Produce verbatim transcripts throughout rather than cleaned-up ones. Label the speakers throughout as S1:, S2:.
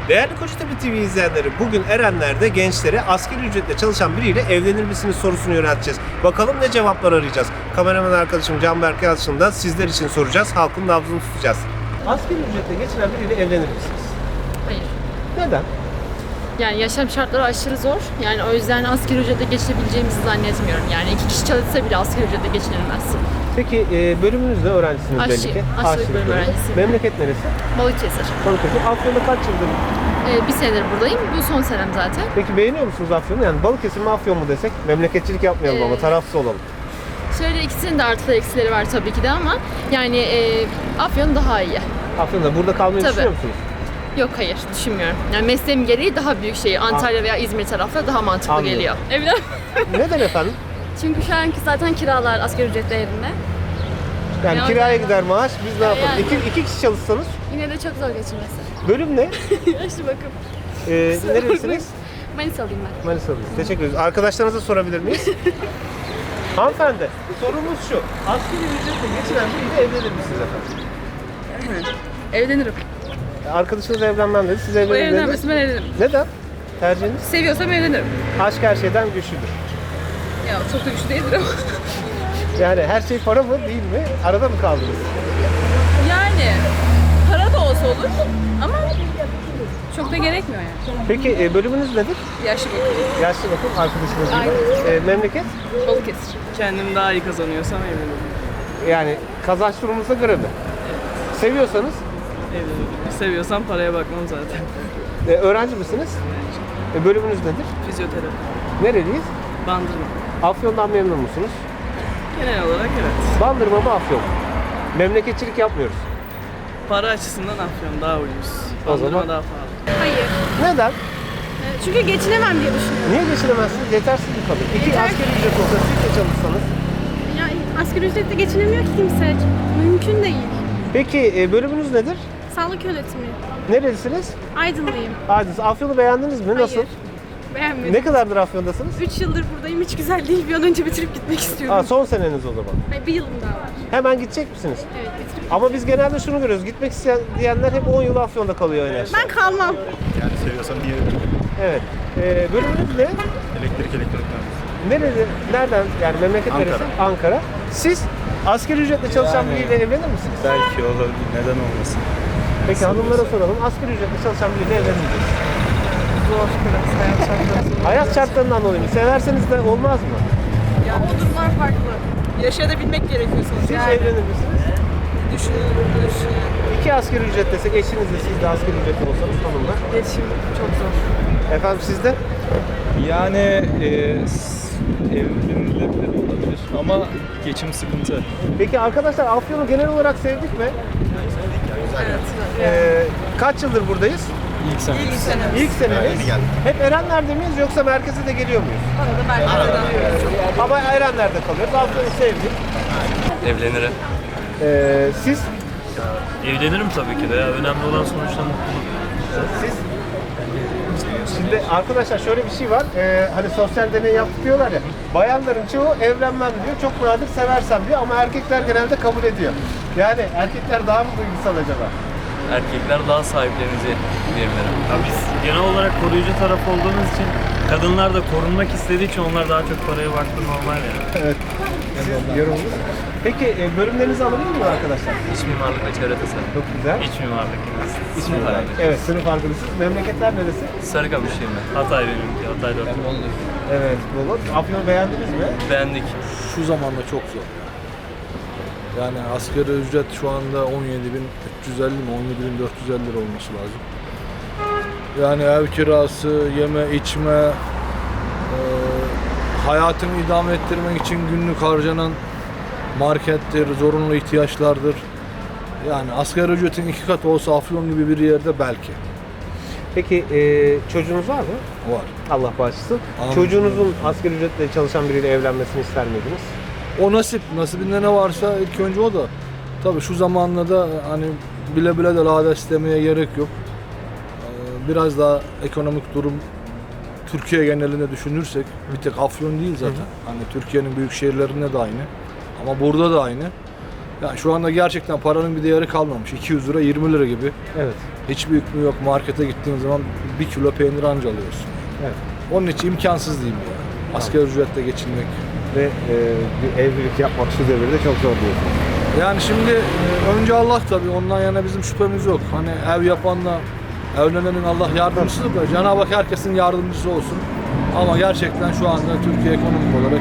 S1: Değerli Kocatepe T V izleyenleri, bugün Erenler'de gençlere asgari ücretle çalışan biriyle evlenir misiniz sorusunu yönelteceğiz. Bakalım ne cevaplar arayacağız. Kameraman arkadaşım Canberk Yalçın'ı da sizler için soracağız. Halkın nabzını tutacağız. Asgari ücretle geçinen biriyle evlenir misiniz?
S2: Hayır.
S1: Neden?
S2: Yani yaşam şartları aşırı zor. Yani o yüzden asgari ücretle geçinebileceğimizi zannetmiyorum. Yani iki kişi çalışsa bile asgari ücretle geçinilmez.
S1: Peki e, bölümünüzde öğrencisiniz
S2: Aşçı,
S1: belli ki.
S2: aşçılık
S1: Aşçılık
S2: bölümü
S1: bölümü.
S2: öğrencisiyim.
S1: Memleket neresi?
S2: Balıkesir.
S1: Balıkesir. Afyon'da kaç yıldır?
S2: Ee, bir senedir buradayım. Bu son senem zaten.
S1: Peki beğeniyor musunuz Afyon'u? Yani Balıkesir mi Afyon mu desek? Memleketçilik yapmayalım
S2: Ee,
S1: ama tarafsız olalım.
S2: Şöyle ikisinin de artıları eksileri var tabii ki de ama yani e, Afyon daha iyi.
S1: Afyon'da burada kalmayı
S2: Tabii.
S1: düşünüyor musunuz?
S2: Yok hayır düşünmüyorum. Yani mesleğim gereği daha büyük şey. Antalya veya İzmir tarafları daha mantıklı
S1: Anladım.
S2: geliyor. Evlen.
S1: Neden efendim?
S3: Çünkü şu anki zaten kiralar asgari ücret değerinde.
S1: Yani
S3: Ya
S1: kiraya
S3: yani-
S1: gider maaş, biz ne yapalım?
S3: Yani.
S1: İki, iki kişi çalışsanız,
S3: Yine de çok zor geçirmesi.
S1: bölüm ne?
S3: Yaşlı bakım.
S1: Ee, nerelisiniz?
S3: Manisalıyım ben.
S1: Manisa'lıyız. Teşekkür ederiz. Arkadaşlarınıza sorabilir miyiz? Hanımefendi, sorumuz şu. Asgari ücretle geçinen biriyle evlenir misiniz efendim?
S4: Evlenirim.
S1: Arkadaşınız evlenmem dedi, siz
S4: Bu
S1: evlenir dediniz.
S4: evlenmesin ben evlenirim.
S1: Neden? Tercihiniz?
S4: Seviyorsam evlenirim.
S1: Aşk her şeyden güçlüdür.
S4: Ya çok da güçlü değildir ama.
S1: Yani her şey para mı değil mi? Arada mı kaldınız?
S4: Yani para da olsa olur ama çok da gerekmiyor yani.
S1: Peki e, bölümünüz nedir?
S4: Yaşlı bakım.
S1: Yaşlı bakım arkadaşınız gibi. E, memleket?
S4: Balıkesir.
S5: Kendim daha iyi kazanıyorsam evlenirim.
S1: Yani kazanç durumunuza göre mi? Seviyorsanız
S5: Evlenirim. Seviyorsam paraya bakmam zaten.
S1: e, öğrenci misiniz? E, bölümünüz nedir?
S5: Fizyoterapi.
S1: Nereliyiz?
S5: Bandırma.
S1: Afyon'dan memnun musunuz?
S5: Genel olarak evet.
S1: Bandırma mı Afyon? Memleketçilik yapmıyoruz.
S5: Para açısından Afyon daha ucuz.
S1: O
S5: Bandırma
S1: zaman-
S5: daha pahalı.
S3: Hayır.
S1: Neden?
S3: Çünkü geçinemem diye düşünüyorum.
S1: Niye geçinemezsiniz? Yetersiz bir kadın. İki
S3: Yeter-
S1: asgari ücret olsa siz de çalışsanız.
S3: Yani asgari ücretle geçinemiyor ki kimse. Mümkün değil.
S1: Peki e, bölümünüz nedir?
S3: Sağlık yönetimi.
S1: Nerelisiniz?
S3: Aydınlıyım.
S1: Aydınız. Afyon'u beğendiniz mi? Nasıl?
S3: Hayır. Beğenmedim.
S1: Ne kadardır Afyon'dasınız?
S3: üç yıldır buradayım. Hiç güzel değil. Bir an önce bitirip gitmek istiyorum.
S1: Aa, son seneniz o zaman.
S3: Hayır, bir yılım daha var.
S1: Hemen gidecek misiniz?
S3: Evet, bitirip.
S1: Ama biz genelde şunu görüyoruz. Gitmek isteyen diyenler hep on yıl Afyon'da kalıyor en aşağı.
S3: Ben kalmam.
S6: Yani seviyorsam niye evleneyim?
S1: Evet. E, bölümünüz ne?
S6: Elektrik elektrik mühendisi.
S1: Nerede? Nereden? Yani memleket
S6: Ankara.
S1: neresi? Ankara. Siz asgari ücretle çalışan
S6: Yani-
S1: biriyle evlenir misiniz?
S6: Belki olabilir. Neden olmasın?
S1: Peki hanımlara soralım. Asgari ücretle çalışan biriyle evlenir misiniz?
S4: Zor biraz hayat şartları.
S1: Hayat şartlarından dolayı mı? Severseniz de olmaz mı?
S4: Ya o durumlar farklı. Yaşayabilmek gerekiyor sonuçta.
S1: Siz
S4: Yani
S1: evlenir misiniz?
S4: düşünülür.
S1: İki asgari ücret desek eşinizle siz de asgari ücretli olsanız hanımlar.
S4: İletişim çok zor.
S1: Efendim sizde?
S6: Yani e, s- evlenilebilir olabilir ama geçim sıkıntı.
S1: Peki arkadaşlar Afyon'u genel olarak sevdik mi?
S4: Evet.
S1: Ee, kaç yıldır buradayız?
S6: İlk sene.
S4: İlk sene.
S1: İlk senemiz. Hep Erenler'de miyiz yoksa merkeze de geliyor muyuz?
S4: Arada merkezden.
S1: Ama Erenler'de kalıyoruz. Afyon'u sevdik.
S7: Evlenirim.
S1: Ee, siz?
S7: Evlenirim tabii ki de ya. Önemli olan sonuçta mutluluk.
S1: Siz? Şimdi arkadaşlar şöyle bir şey var. Ee, hani sosyal deney yaptık diyorlar ya. Bayanların çoğu evlenmem diyor. Çok nadir seversem diyor ama erkekler genelde kabul ediyor. Yani erkekler daha mı duygusal acaba?
S7: Erkekler daha sahiplenici diyebilirim. Ya biz genel olarak koruyucu taraf olduğumuz için kadınlar da korunmak istediği için onlar daha çok paraya baktı normal yani.
S1: Evet. Siz yorumunuz. Peki e, bölümlerinizi alabilir miyim arkadaşlar?
S7: İç mimarlık ve çevre tasarım.
S1: Çok güzel.
S7: İç mimarlık.
S1: İç mimarlık. Evet, sınıf arkadaşısınız. Memleketler neresi?
S7: Sarıkamışlıyım ben. Hatay benimki. Hatay dört.
S1: Evet, Bolu. Afyon'u beğendiniz mi?
S7: Beğendik.
S8: Şu zamanda çok zor. Yani asgari ücret şu anda on yedi bin üç yüz elli mi on yedi bin dört yüz elli lira olması lazım. Yani ev kirası, yeme içme, e, hayatını idame ettirmek için günlük harcanan markettir, zorunlu ihtiyaçlardır. Yani asgari ücretin iki katı olsa Afyon gibi bir yerde belki
S1: Peki e, çocuğunuz var mı?
S8: var.
S1: Allah bağışlasın.
S8: Amin.
S1: Çocuğunuzun asgari ücretle çalışan biriyle evlenmesini ister miydiniz?
S8: O nasip, nasibinde ne varsa ilk önce o da. Tabii şu zamanla da hani bile bile de lades istemeye gerek yok. Ee, Biraz daha ekonomik durum Türkiye genelinde düşünürsek, bir tek Afyon değil zaten. Hani Türkiye'nin büyük şehirlerinde de aynı. Ama burada da aynı. Yani şu anda gerçekten paranın bir değeri kalmamış. iki yüz lira yirmi lira gibi.
S1: Evet.
S8: Hiçbir hükmü yok. Markete gittiğin zaman bir kilo peynir anca alıyorsun.
S1: Evet.
S8: Onun için imkansız diyeyim ya. Asgari ücretle geçinmek.
S1: Ve e, bir evlilik yapmak şu devirde çok zor diyorsun.
S8: Yani şimdi e, önce Allah tabii, ondan yana bizim şüphemiz yok. Hani ev yapanla evlenenin Allah yardımcısıdır da Cenab-ı Hak herkesin yardımcısı olsun. Ama gerçekten şu anda Türkiye ekonomik olarak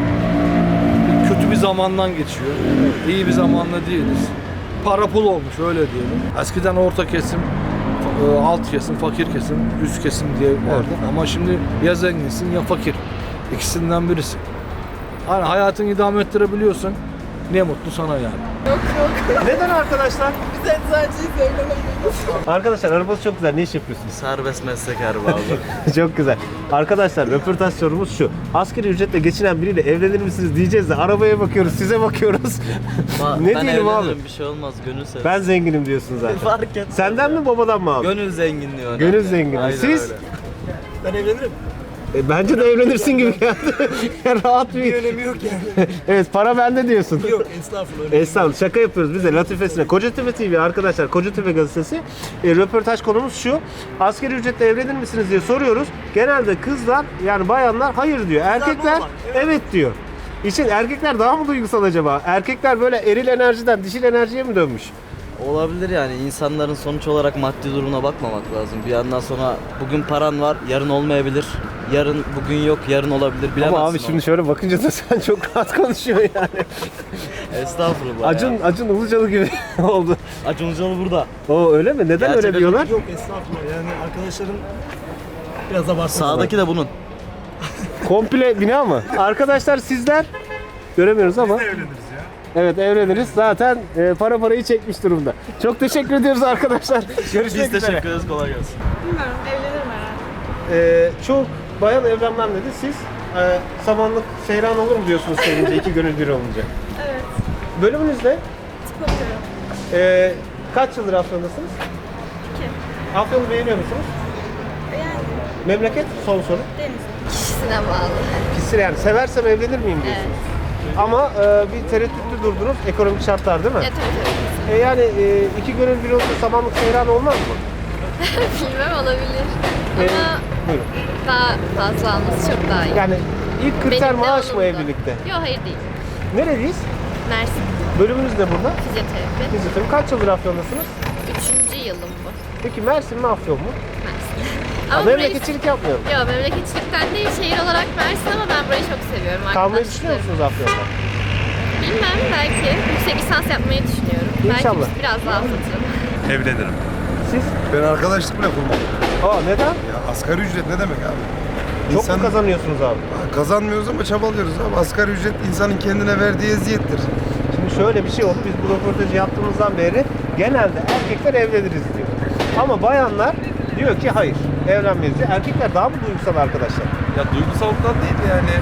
S8: bir kötü bir zamandan geçiyor. İyi bir zamanda değiliz. Para pul olmuş öyle diyelim. Eskiden orta kesim, e, alt kesim, fakir kesim, üst kesim diye vardı. Ama şimdi ya zenginsin ya fakir. İkisinden birisi. Hani hayatını idame ettirebiliyorsun. Ne mutlu sana yani.
S1: Neden arkadaşlar?
S5: Biz eczacıyız, evlenemeyiz.
S1: Arkadaşlar arabası çok güzel. Ne iş yapıyorsunuz?
S7: Serbest meslek erbabı.
S1: Çok güzel. Arkadaşlar röportaj sorumuz şu. Asgari ücretle geçinen biriyle evlenir misiniz diyeceğiz de arabaya bakıyoruz, size bakıyoruz. ne
S7: ben
S1: diyelim abi?
S7: evlenirim, bir şey olmaz, gönül sever.
S1: Ben zenginim diyorsun zaten.
S7: Fark etmez.
S1: Senden mi babadan mı abi?
S7: Gönül zenginliği önemli.
S1: Gönül zengini.
S7: Aynen
S1: Siz?
S7: öyle.
S5: Ben evlenirim.
S1: E, bence de evlenirsin gibi geldi. Rahat bir...
S5: Bir önemi yok yani.
S1: Evet, para bende diyorsun.
S5: Yok, estağfurullah.
S1: Estağfurullah, şaka yapıyoruz biz de latifesine. Kocatepe T V arkadaşlar, Kocatepe gazetesi. E, röportaj konumuz şu. Asgari ücretle evlenir misiniz diye soruyoruz. Genelde kızlar, yani bayanlar hayır diyor. Erkekler
S5: normal,
S1: evet diyor. İşin erkekler daha mı duygusal acaba? Erkekler böyle eril enerjiden dişil enerjiye mi dönmüş?
S9: Olabilir yani, insanların sonuç olarak maddi durumuna bakmamak lazım. Bir yandan sonra bugün paran var, yarın olmayabilir. Yarın bugün yok, yarın olabilir, bilemezsin.
S1: Ama abi şimdi
S9: onu.
S1: şöyle bakınca da sen çok rahat konuşuyorsun yani.
S9: Estağfurullah
S1: Acun,
S9: ya.
S1: Acun Ilıcalı gibi oldu.
S9: Acun Ilıcalı burada.
S1: O öyle mi? Neden
S9: Gerçekten
S1: öyle diyorlar?
S5: Yok, estağfurullah. Yani arkadaşların biraz abartı.
S9: Sağdaki de bunun.
S1: Komple bina mı? Arkadaşlar sizler göremiyoruz ama. Biz de evleniriz ya. Evet evleniriz. Zaten e, para parayı çekmiş durumda. Çok teşekkür ediyoruz arkadaşlar. Görüşmek
S9: Biz
S1: üzere.
S9: teşekkür ederiz, kolay gelsin.
S3: Bilmiyorum, evlenirim herhalde.
S1: E, çok bayan evlenmem dedi. Siz e, samanlık seyran olur mu diyorsunuz sevince iki gönül bir olunca?
S3: Evet,
S1: Bölümünüz ne?
S3: tıp okuyorum.
S1: E, kaç yıldır Afyon'dasınız?
S3: İki.
S1: Afyon'u beğeniyor musunuz?
S3: Yani
S1: Memleket? Son soru.
S3: deniz.
S2: Kişisine bağlı.
S1: Kişisel yani seversem evlenir miyim diyorsunuz. Ama e, bir tereddütlü durdunuz. Ekonomik şartlar değil mi?
S2: Ya tabii tabii.
S1: E, yani e, iki gönül bir olsa samanlık seyran olmaz mı?
S2: Bilmem olabilir.
S1: E,
S2: Ama
S1: buyurun.
S2: daha fazla alması çok daha iyi.
S1: Yani ilk kriter
S2: Benim de
S1: maaş mı
S2: olumlu.
S1: evlilikte?
S2: Yok hayır değil.
S1: Nereliyiz?
S2: Mersin
S1: Bölümümüz de burada.
S2: fizyoterapi.
S1: Fizyoterapi. Kaç yıldır Afyon'dasınız?
S2: Üçüncü yılım bu.
S1: Peki Mersin mi Afyon mu?
S2: Mersin.
S1: Ama
S2: Ama burayı...
S1: memleketçilik yapmıyorum.
S2: Yok memleketçilikten değil, şehir olarak Mersin ama ben burayı çok seviyorum.
S1: Kalmayı düşünüyor
S2: Arkadaşlarım.
S1: musunuz Afyon'da?
S2: Bilmem, belki yüksek lisans yapmayı düşünüyorum.
S1: İnşallah.
S2: Belki biraz daha fıtırım.
S10: Evlenirim.
S1: Siz?
S10: Ben arkadaşlık bile kurmam.
S1: Aa neden?
S10: Ya asgari ücret ne demek abi?
S1: Çok
S10: İnsan-
S1: mu kazanıyorsunuz abi?
S10: Kazanmıyoruz ama çabalıyoruz abi. Asgari ücret insanın kendine verdiği eziyettir.
S1: Şimdi şöyle bir şey oldu. Biz bu röportajı yaptığımızdan beri genelde erkekler evleniriz diyor. Ama bayanlar diyor ki hayır evlenmeyiz diyor. Erkekler daha mı duygusal arkadaşlar?
S10: Ya duygusallıktan değil yani.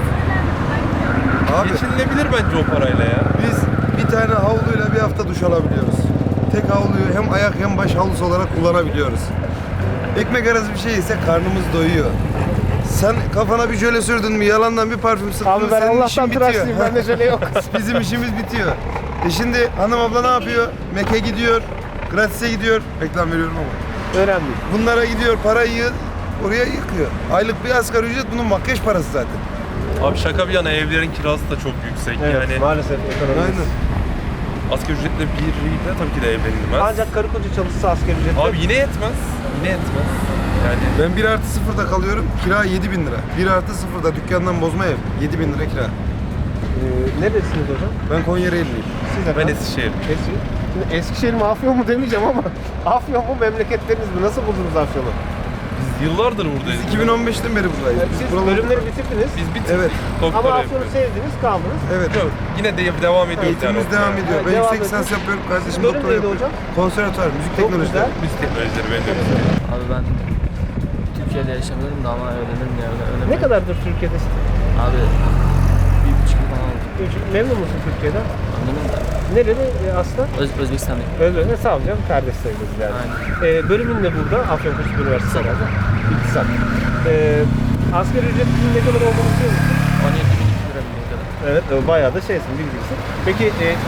S10: Abi geçinilebilir bence o parayla ya. Biz bir tane havluyla bir hafta duş alabiliyoruz. Tek havluyu hem ayak hem baş havlusu olarak kullanabiliyoruz. Ekmek arası bir şey ise karnımız doyuyor. Sen kafana bir jöle sürdün mü, yalandan bir parfüm sıktın
S1: Abi
S10: mı,
S1: ben
S10: senin işin
S1: Allah'tan
S10: bitiyor.
S1: tıraşlıyım. Bende şöyle yok.
S10: Bizim işimiz bitiyor. E şimdi hanım abla ne yapıyor? Mek'e gidiyor, gratis'e gidiyor. Reklam veriyorum ama.
S1: Önemli değil.
S10: Bunlara gidiyor, parayı oraya yıkıyor. Aylık bir asgari ücret bunun makyaj parası zaten.
S11: Abi şaka bir yana evlerin kirası da çok yüksek.
S1: Evet
S11: Yani
S1: maalesef ekonomimiz.
S10: Aynen.
S11: asgari ücretle biriyle tabii ki de evlenilmez.
S1: Ancak karı koca çalışsa asgari ücretle.
S11: Abi yine yetmez. Yine yetmez. Yani
S10: Ben bir artı sıfırda kalıyorum, kira yedi bin lira. bir artı sıfırda dükkandan bozma ev, yedi bin lira kira.
S1: Ee, neredesiniz hocam?
S10: Ben Konya'lıyım.
S1: Siz
S11: ben
S1: efendim?
S11: Eskişehir.
S1: Eskişehir. Şimdi Eskişehir mi Afyon mu demeyeceğim ama Afyon mu memleketleriniz mi? Nasıl buldunuz Afyon'u?
S11: Biz yıllardır buradayız.
S10: iki bin on beşten beri buradayız.
S1: Siz bölümleri bitirdiniz
S11: Biz bitirdik.
S10: Evet.
S11: Doktora
S1: ama Afyon'u
S11: yapıyoruz.
S1: sevdiniz, kaldınız.
S10: Evet.
S11: Yok, yine de devam ediyoruz
S10: Eğitimimiz
S11: yani.
S10: devam ediyor.
S1: Evet,
S10: Ben
S1: devam
S10: yüksek
S1: ediyor.
S10: lisans yapıyorum, kardeşim
S1: Bölüm
S10: doktora
S1: neydi
S10: yapıyor.
S1: hocam?
S10: Konservatuar, müzik
S1: Çok
S10: teknolojileri.
S1: güzel.
S11: Biz teknolojileri ben de öğreniyorum.
S9: Abi ben Türkiye'de yaşamıyorum da ama öğrenirim ya. Öğrenirim.
S1: Ne kadardır Türkiye'desin?
S9: Abi bir buçuk yıl falan oldu.
S1: Üç- Memnun musun Türkiye'den?
S9: Anladın mı?
S1: Nereli e, aslan?
S9: Öz, Özbekistan'dayım.
S1: Öyle ne sağ ol canım, kardeş sayılırız yani.
S9: Aynen.
S1: Ee, bölümün de burada, Afyonkurt Üniversitesi herhalde. İktisat. Ee, asgari ücretin ne kadar olduğunu biliyor musun?
S9: on yedi bin iki lira bildiğim kadar.
S1: Evet, e, bayağı da şeysin, bilgilisin. Peki e,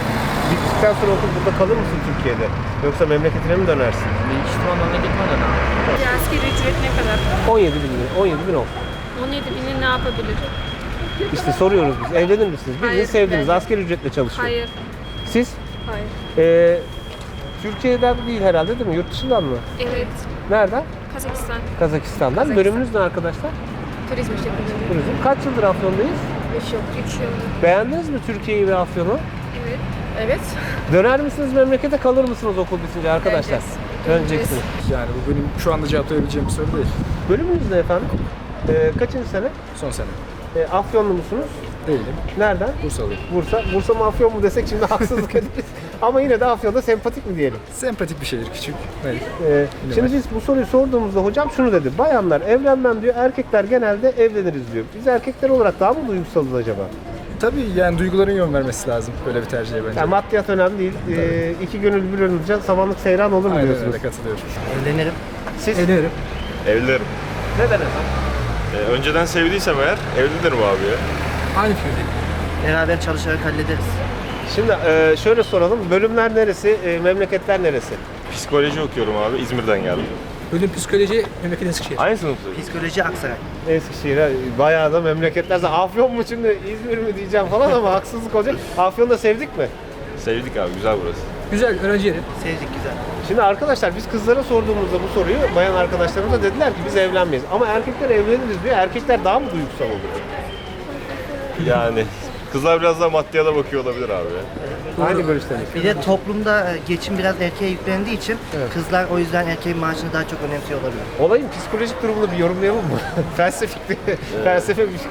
S1: Bittikten sonra okul burada kalır mısın Türkiye'de? Yoksa memleketine mi dönersin?
S9: Büyük ihtimal memleketime dönem.
S3: Asgari ücret ne kadar?
S1: on yedi bin lira. on yedi bin ol.
S3: on yedi bini ne yapabilir?
S1: İşte soruyoruz biz. Evlenir misiniz? Birini
S3: Hayır,
S1: sevdiniz.
S3: ben-
S1: Asgari ücretle çalışıyor.
S3: Hayır.
S1: Siz?
S3: Hayır.
S1: Ee, Türkiye'den değil herhalde değil mi? Yurt dışından mı?
S3: Evet.
S1: Nereden?
S3: Kazakistan.
S1: Kazakistan'dan.
S3: Kazakistan.
S1: Bölümünüz ne arkadaşlar?
S3: Turizm şirketi.
S1: Turizm. Kaç yıldır Afyon'dayız?
S3: üç yıl. üç yıl.
S1: Beğendiniz mi Türkiye'yi ve Afyon'u?
S3: Evet. Evet.
S1: Döner misiniz memlekete, kalır mısınız okul bitince arkadaşlar?
S3: Döneceğiz.
S1: Döneceksiniz.
S5: Yani bu benim şu anda cevaplayabileceğim bir soru değil.
S1: Bölümünüz ne efendim? Ee, kaçıncı sene?
S5: Son sene.
S1: Ee, Afyonlu musunuz?
S5: Değilim.
S1: Nereden?
S5: Bursalıyım.
S1: Bursa. Bursa mı Afyon mu desek şimdi haksızlık ederiz. Ama yine de Afyon'da sempatik mi diyelim?
S5: Sempatik bir şehir, küçük. Evet.
S1: Ee, şimdi biz bu soruyu sorduğumuzda hocam şunu dedi. Bayanlar evlenmem diyor, erkekler genelde evleniriz diyor. Biz erkekler olarak daha mı duygusalız acaba?
S5: Tabii yani duyguların yön vermesi lazım böyle bir tercihe bence.
S1: Yani maddiyat önemli değil. Ee, iki gönül bir olunca samanlık seyran olur mu
S5: Aynen
S1: diyorsunuz?
S5: öyle, katılıyorum.
S9: Evlenirim.
S1: Siz
S5: Evlenirim.
S11: Evlilerim.
S1: neden efendim?
S11: Ee, önceden sevdiysem eğer evlenirim abi ya.
S5: Aynı fikirdeyim.
S9: Beraber çalışarak hallederiz.
S1: Şimdi e, şöyle soralım. Bölümler neresi, e, memleketler neresi?
S11: Psikoloji okuyorum abi. İzmir'den geldim.
S5: Bölüm psikoloji, memleket Eskişehir.
S11: Aynı sınıftayız.
S9: Psikoloji Aksaray.
S1: Eskişehir'e bayağı da memleketler. Afyon mu şimdi, İzmir mi diyeceğim falan ama haksızlık olacak. Afyon'da sevdik mi?
S11: Sevdik abi. Güzel burası.
S5: Güzel, öğrenci yeri.
S9: Sevdik güzel.
S1: Şimdi arkadaşlar biz kızlara sorduğumuzda bu soruyu bayan arkadaşlarımız da dediler ki biz evlenmeyiz. Ama erkekler evleniriz diyor. Erkekler daha mı duygusal oluyor?
S11: Yani kızlar biraz daha maddiyata bakıyor olabilir abi ya.
S1: Aynı görüşteniz.
S9: Bir de toplumda geçim biraz erkeğe yüklendiği için kızlar o yüzden erkeğin maaşını daha çok önemsiyor olabilir.
S1: Olayın psikolojik durumunu bir yorumlayalım mı? Felsefik bir, felsefe bir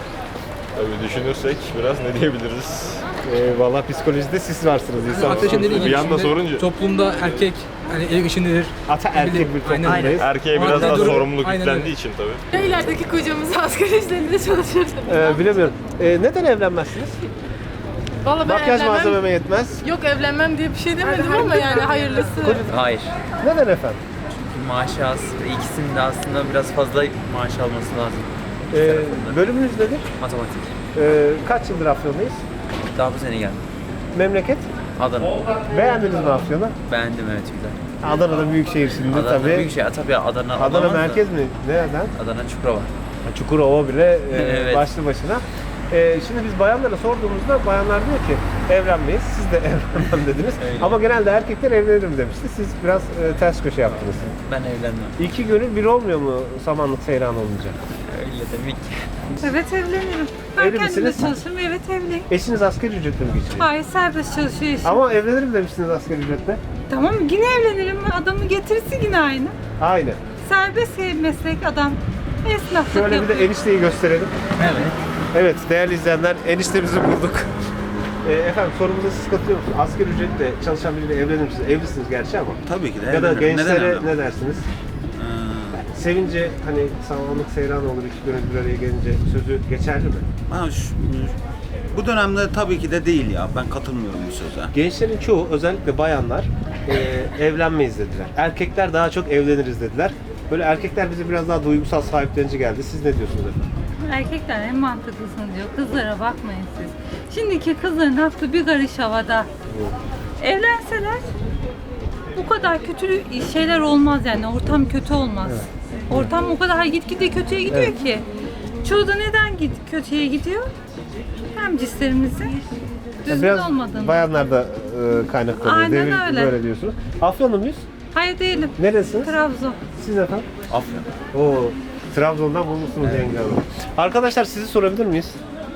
S11: Tabii düşünürsek biraz ne diyebiliriz?
S1: e, Valla psikolojide siz varsınız insan.
S5: Arkadaşın dediği
S11: Bir
S5: gibi
S11: yanda
S5: şimdi
S11: sorunca
S5: toplumda erkek hani ev işindedir.
S1: Ata erkek bir
S5: Aynen.
S1: toplumdayız.
S11: erkeğe biraz
S5: Aynen.
S11: daha
S5: Durum-
S11: sorumluluk
S5: Aynen
S11: yüklendiği
S5: öyle.
S11: için tabii.
S3: İlerideki kocamız asgari ücretle çalışır.
S1: Ee, bilemiyorum. Ee, neden evlenmezsiniz?
S3: Valla ben
S1: Makyaj
S3: evlenmem.
S1: malzememe yetmez.
S3: Yok evlenmem diye bir şey demedim ama yani hayırlısı.
S12: Hayır.
S1: Neden efendim?
S12: Maaşı az ve ikisinin de aslında biraz fazla maaş alması lazım.
S1: Ee, bölümünüz nedir?
S12: Matematik.
S1: Ee, kaç yıldır Afyon'dayız?
S12: Daha bu sene geldim.
S1: Memleket?
S12: Adana.
S1: Beğendiniz mi Afyon'u?
S12: Beğendim evet güzel.
S1: Adana'da büyük şehir şimdi
S12: Adana
S1: tabii.
S12: büyük şey. Tabii Adana.
S1: Adana
S12: olamaz da.
S1: merkez mi? Nereden?
S12: Adana Çukurova.
S1: Çukurova bile e,
S12: Evet.
S1: başlı başına. E, şimdi biz bayanlara sorduğumuzda bayanlar diyor ki evlenmeyiz. Siz de evlenmem dediniz.
S12: Öyle.
S1: Ama genelde erkekler evlenirim demişti. Siz biraz e, ters köşe yaptınız.
S12: Ben evlenmem.
S1: İki gönül bir olmuyor mu samanlık seyran olunca?
S12: Öyle demek ki.
S3: Evet evlenirim.
S1: Evli
S3: Ben kendim de
S1: misiniz?
S3: çalışırım. Evet evliyim.
S1: Eşiniz asgari ücretle mi geçiniyor?
S3: Hayır serbest çalışıyor eşim.
S1: Ama evlenirim demiştiniz asgari ücretle.
S3: Tamam yine evlenirim. Adamı getirirse yine aynı.
S1: Aynı.
S3: Serbest meslek adam. Esnaflık
S1: Şöyle bir
S3: yapıyor.
S1: de enişteyi gösterelim.
S12: Evet.
S1: Evet değerli izleyenler eniştemizi bulduk. E, efendim sorumuza siz katılıyor musunuz? Asgari ücretle çalışan biriyle evlenir misiniz? Evlisiniz gerçi ama.
S13: Tabii ki de
S1: Ya da
S13: evlenirim. Neden
S1: gençlere
S13: evlenmem?
S1: ne dersiniz?
S13: Ee,
S1: Sevince hani samanlık seyran olur iki gönül bir araya gelince sözü geçerli mi?
S13: ha, şu- bu dönemde tabii ki de değil ya. Ben katılmıyorum bu söze.
S1: Gençlerin çoğu özellikle bayanlar e, evlenmeyiz dediler. Erkekler daha çok evleniriz dediler. Böyle erkekler bize biraz daha duygusal sahiplenici geldi. Siz ne diyorsunuz efendim?
S3: Erkekler en mantıklısını diyor. Kızlara bakmayın siz. Şimdiki kızların aklı bir karış havada. Evlenseler bu kadar kötü şeyler olmaz yani. Ortam kötü olmaz. Ortam o kadar gitgide kötüye gidiyor
S1: Evet.
S3: ki. Çoğu da neden git kötüye gidiyor? Hem cislerimizi düzgün
S1: Biraz
S3: olmadığını.
S1: bayanlar da e, kaynaklanıyor.
S3: Aynen
S1: Devir-
S3: öyle.
S1: Böyle diyorsunuz. Afyonlu muyuz?
S3: Hayır değilim.
S1: Neresiniz?
S3: Trabzon.
S1: Siz efendim?
S13: Afyon.
S1: Oo, Trabzon'dan bulmuşsunuz yenge hanım. Arkadaşlar sizi sorabilir miyiz?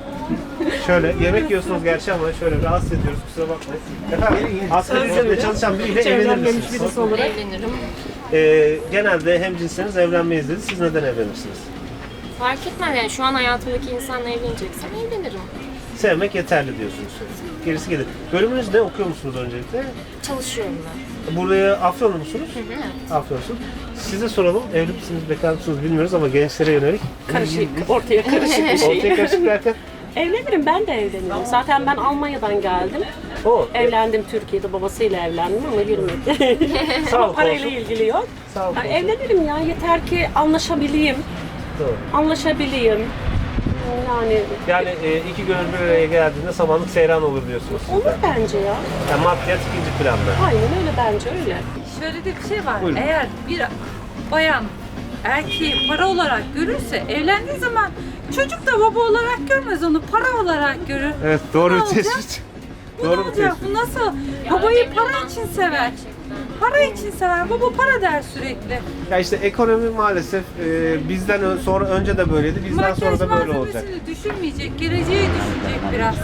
S1: Şöyle yemek yiyorsunuz gerçi ama şöyle rahatsız ediyoruz kusura bakmayın. Efendim asgari ücretle çalışan biriyle evlenir misiniz?
S2: Evlenirim.
S1: Ee, genelde hemcinsleriniz evlenmeyiz dedi. Siz neden evlenirsiniz?
S2: Fark etmez yani şu an hayatımdaki insanla evleneceksem evlenirim.
S1: Sevmek yeterli diyorsunuz. Gerisi gelir. Bölümünüz ne? Okuyor musunuz öncelikle?
S2: Çalışıyorum ben.
S1: Buraya Afyonlu musunuz?
S2: Evet.
S1: Afyonlusunuz. Size soralım. Evli misiniz, bekar mısınız bilmiyoruz ama gençlere yönelik.
S14: Karışık, ortaya karışık bir şey.
S1: Ortaya karışık derken?
S14: Evlenirim, ben de evlenirim. Zaten ben Almanya'dan geldim.
S1: O.
S14: Evlendim Türkiye'de, babasıyla evlendim ama yürümedi.
S1: Sağlık
S14: Parayla
S1: olsun.
S14: ilgili yok.
S1: Sağlık
S14: Yani
S1: olsun.
S14: evlenirim ya, yeter ki anlaşabileyim.
S1: Doğru.
S14: Anlaşabileyim. Yani
S1: Yani e, iki gönül bir araya geldiğinde samanlık seyran olur diyorsunuz siz
S14: olur
S1: de.
S14: bence ya.
S1: Yani maddiyat ikinci planda.
S14: Aynen öyle bence öyle.
S3: Şöyle de bir şey var.
S1: Buyurun.
S3: Eğer bir bayan erkeği para olarak görürse evlendiği zaman çocuk da baba olarak görmez onu, para olarak görür.
S1: Evet, doğru
S3: Ne
S1: bir
S3: olacak?
S1: tespit.
S3: Bu ne
S1: Doğru bir
S3: olacak?
S1: tespit.
S3: Bu nasıl? Babayı para için sever. Para için sever. Baba para der sürekli.
S1: Ya işte ekonomi maalesef e, bizden ön- sonra önce de böyleydi, bizden
S3: Makyaj
S1: sonra da böyle olacak.
S3: malzemesini düşünmeyecek, geleceği düşünecek biraz.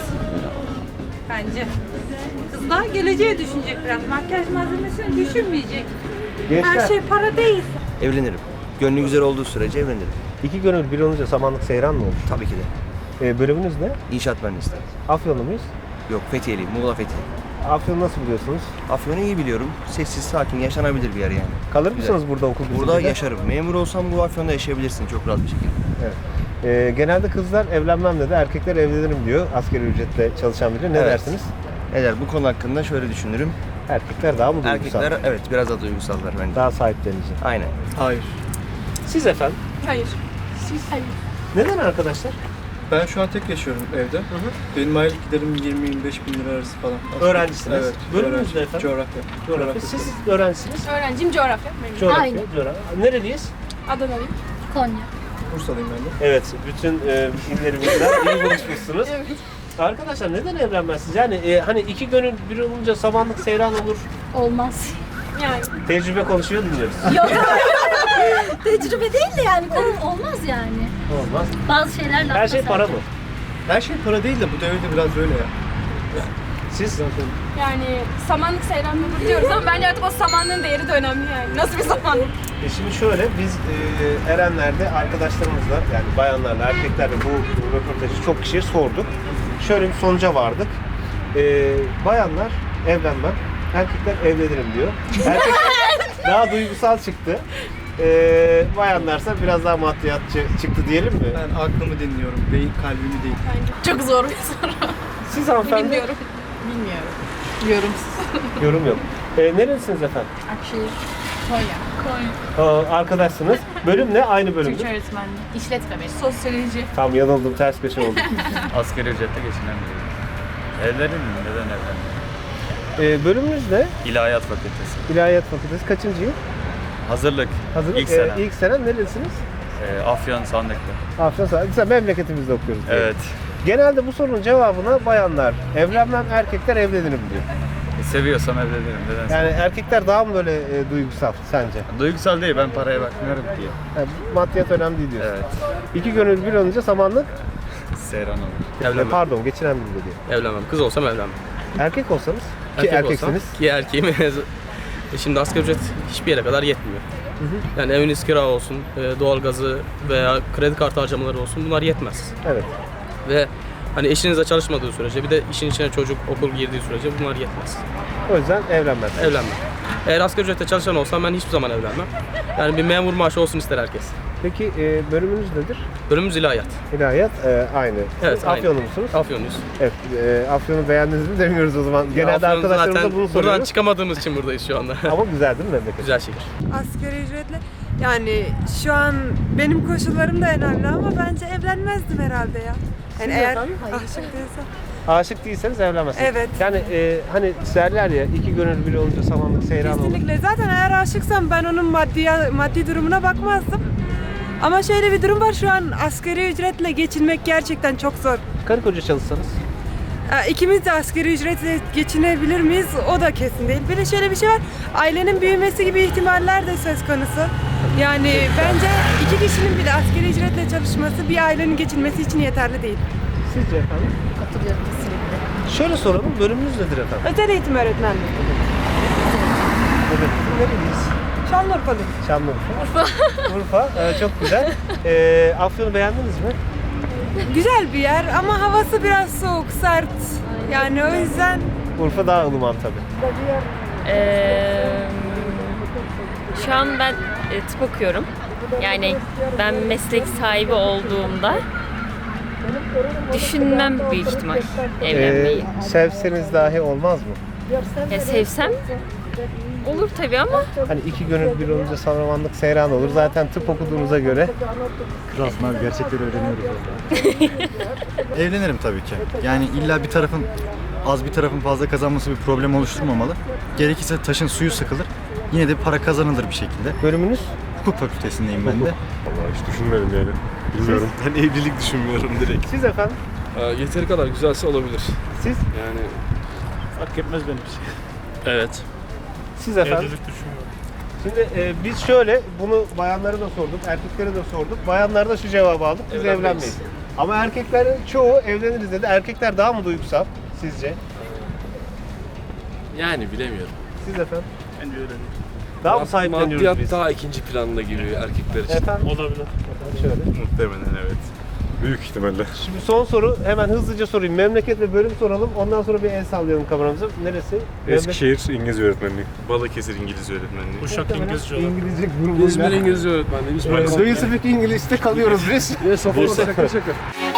S3: Bence. Kızlar geleceği düşünecek biraz. Makyaj malzemesini düşünmeyecek.
S1: Gençler,
S3: Her şey para değil.
S15: Evlenirim. Gönlü güzel olduğu sürece evlenirim.
S1: iki gönül bir olunca samanlık seyran mı olur?
S15: Tabii ki de.
S1: E, bölümünüz ne?
S15: İnşaat mühendisliği.
S1: Afyonlu muyuz?
S15: Yok, Fethiyeliyim. Muğla Fethiye.
S1: Afyon'u nasıl biliyorsunuz?
S15: Afyon'u iyi biliyorum. Sessiz, sakin, yaşanabilir bir yer yani.
S1: Kalır
S15: Güzel.
S1: mısınız burada okul
S15: Burada
S1: bitiminde?
S15: yaşarım. Memur olsam bu Afyon'da yaşayabilirsin çok rahat bir şekilde.
S1: Evet. E, genelde kızlar evlenmem dedi, erkekler evlenirim diyor asgari ücretle çalışan biri. Ne
S15: Evet.
S1: dersiniz?
S15: Eder bu konu hakkında şöyle düşünürüm.
S1: Erkekler daha mı duygusal?
S15: Erkekler evet biraz daha duygusallar bence.
S1: Daha sahiplenici.
S15: Aynen.
S8: Hayır.
S1: Siz efendim?
S4: Hayır.
S14: Hayır.
S1: Neden arkadaşlar?
S8: Ben şu an tek yaşıyorum evde. Benim aylık giderim yirmi yirmi beş bin lira arası falan.
S1: Öğrencisiniz.
S8: Evet.
S1: Bölümünüz
S8: öğrenci.
S1: ne efendim?
S8: Coğrafya.
S1: Coğrafya. Siz öğrencisiniz.
S4: Öğrenciyim coğrafya. Memnun.
S1: Coğrafya.
S14: Aynen.
S1: Coğrafya. Nereliyiz?
S4: Adanalıyım.
S14: Konya.
S8: Bursalıyım ben de.
S1: Evet, bütün e, illerimizden iyi buluşmuşsunuz.
S4: Evet.
S1: Arkadaşlar neden evlenmezsiniz? Yani e, hani iki gönül bir olunca samanlık seyran olur.
S14: Olmaz.
S4: Yani.
S1: Tecrübe konuşuyor dinliyoruz.
S14: Yok. Tecrübe değil de yani konu olmaz yani.
S1: Olmaz.
S14: Bazı şeyler
S1: Her şey para mı?
S8: Her şey para değil de bu devirde biraz öyle ya.
S1: Siz?
S4: Yani samanlık seyranlıdır diyoruz ama bence artık o samanlığın değeri de önemli yani. Nasıl bir samanlık?
S1: E şimdi şöyle, biz e, Erenler'de arkadaşlarımızla, yani bayanlarla, erkeklerle bu röportajı çok kişiye sorduk. Şöyle bir sonuca vardık. E, bayanlar evlenmem, erkekler evlenirim diyor. Erkekler daha duygusal çıktı. E, bayanlarsa biraz daha maddiyatçı çıktı diyelim mi?
S8: Ben aklımı dinliyorum, beyin kalbimi değil.
S4: Çok zor bir soru.
S1: Siz hanımefendi?
S4: Bilmiyorum. Bilmiyorum. Yorumsuz.
S1: Yorum yok. E, nerelisiniz efendim?
S4: Akşehir. Konya. Konya.
S1: Aa, arkadaşsınız. Bölüm ne? Aynı bölüm.
S4: Türkçe öğretmenliği. İşletme benim. Sosyoloji.
S1: Tam yanıldım, ters köşe oldum.
S6: Asgari ücretle geçinen biriyim. Evlenin mi? Neden evlenin?
S1: E, bölümünüz ne?
S6: İlahiyat Fakültesi.
S1: İlahiyat Fakültesi kaçıncı yıl?
S6: Hazırlık.
S1: Hazırlık.
S6: İlk sene.
S1: E, ilk sene nerelisiniz?
S6: Ee, Afyon Sandıklı.
S1: Afyon Güzel, memleketimizde okuyoruz. diye.
S6: Evet.
S1: Genelde bu sorunun cevabına bayanlar evlenmem, erkekler evlenirim diyor.
S6: E, seviyorsam evlenirim. Neden?
S1: Yani erkekler daha mı böyle e, duygusal sence?
S6: Duygusal değil, ben paraya bakmıyorum diye.
S1: Yani maddiyat önemli değil diyorsun.
S6: Evet.
S1: İki gönül bir olunca samanlık,
S6: Seyran olur.
S1: e,
S16: Evlenmem.
S1: pardon geçinen biri diyor.
S16: Evlenmem. Kız olsam evlenmem.
S1: Erkek olsanız ki
S16: Erkek
S1: erkeksiniz.
S16: olsam, ki erkeğim. E Şimdi asgari ücret hiçbir yere kadar yetmiyor. Yani eviniz kira olsun, e, doğalgazı veya kredi kartı harcamaları olsun bunlar yetmez.
S1: Evet.
S16: Ve hani eşinizle çalışmadığı sürece bir de işin içine çocuk, okul girdiği sürece bunlar yetmez.
S1: O yüzden evlenmez.
S16: Evlenmem. Eğer asgari ücretle çalışan olsam ben hiçbir zaman evlenmem. Yani bir memur maaşı olsun ister herkes.
S1: Peki e, bölümünüz nedir?
S16: Bölümümüz ilahiyat.
S1: İlahiyat e, aynı.
S16: Evet,
S1: Siz
S16: aynı.
S1: Afyonlu musunuz?
S16: Afyonluyuz.
S1: Evet. E, Afyon'u beğendiniz mi demiyoruz o zaman. Genelde
S16: Afyon
S1: arkadaşlarımıza
S16: zaten
S1: bunu
S16: buradan
S1: soruyoruz.
S16: çıkamadığımız için buradayız şu anda.
S1: Ama güzel değil mi memleket?
S16: Güzel şehir.
S17: Asgari ücretle yani şu an benim koşullarım da önemli ama bence evlenmezdim herhalde ya. Yani
S1: Siz
S17: eğer
S1: efendim?
S17: aşık değilsem.
S1: Aşık değilseniz evlenmezsiniz.
S17: Evet.
S1: Yani e, hani derler ya iki gönül biri olunca samanlık seyran olur.
S17: Kesinlikle. Zaten eğer aşıksam ben onun maddi maddi durumuna bakmazdım. Ama şöyle bir durum var, şu an asgari ücretle geçinmek gerçekten çok zor.
S1: Karı koca çalışsanız?
S17: Ee, İkimiz de asgari ücretle geçinebilir miyiz? O da kesin değil. Bir de şöyle bir şey var, ailenin büyümesi gibi ihtimaller de söz konusu. Yani bence iki kişinin bile asgari ücretle çalışması bir ailenin geçinmesi için yeterli değil.
S1: Sizce efendim?
S14: Katılıyorum kesinlikle.
S1: Şöyle soralım, bölümünüz nedir efendim?
S17: Özel eğitim öğretmenliği.
S1: Evet. Nereliyiz?
S17: Şanlıurfa'lıyım.
S1: Şanlıurfa. Urfa. Urfa. Ee, çok güzel. Ee, Afyon'u beğendiniz mi?
S17: Güzel bir yer ama havası biraz soğuk, sert. Yani o yüzden...
S1: Urfa daha ılıman tabii.
S18: Ee, şu an ben e, tıp okuyorum. Yani ben meslek sahibi olduğumda düşünmem büyük ihtimal evlenmeyi.
S1: Ee, sevseniz dahi olmaz mı?
S18: Ya sevsem Olur tabii ama
S1: Hani iki gönül bir olunca savramanlık seyran olur. Zaten tıp okuduğunuza göre.
S19: Kralsın abi, gerçekleri öğreniyoruz orada. Evlenirim tabii ki. Yani illa bir tarafın az bir tarafın fazla kazanması bir problem oluşturmamalı. Gerekirse taşın suyu sıkılır. Yine de para kazanılır bir şekilde.
S1: Bölümünüz?
S19: Hukuk fakültesindeyim ben de.
S11: Vallahi hiç düşünmedim yani. Bilmiyorum.
S8: Ben evlilik düşünmüyorum direkt.
S1: Siz efendim?
S8: Yeteri kadar güzelse olabilir.
S1: Siz?
S8: Yani
S7: Fark etmez benim için.
S8: evet.
S1: Siz efendim?
S7: Evlilik düşünmüyorum.
S1: Şimdi e, biz şöyle, bunu bayanlara da sorduk, erkeklere de sorduk. Bayanlar da şu cevabı aldık, biz
S8: Evlenmeyiz.
S1: evlenmeyiz. Ama erkeklerin çoğu evleniriz dedi. Erkekler daha mı duygusal sizce?
S8: Yani bilemiyorum.
S1: Siz efendim?
S7: Bence öyle değil.
S1: Daha mı sahipleniyoruz biz?
S8: daha ikinci planda gibi erkekler
S1: Efendim?
S7: Olabilir.
S1: Şöyle.
S8: Muhtemelen evet.
S11: Büyük ihtimalle.
S1: Şimdi son soru, hemen hızlıca sorayım. Memleket ve bölüm soralım, ondan sonra bir el sallayalım kameramıza. Neresi?
S11: Eskişehir İngilizce öğretmenliği.
S8: Balıkesir İngilizce öğretmenliği.
S7: Uşak İngilizce olan.
S1: İngilizce grubuyla.
S8: İzmir İngilizce öğretmenliği.
S1: Do you speak English'te kalıyoruz biz.
S8: Yes, of course. Şaka şaka.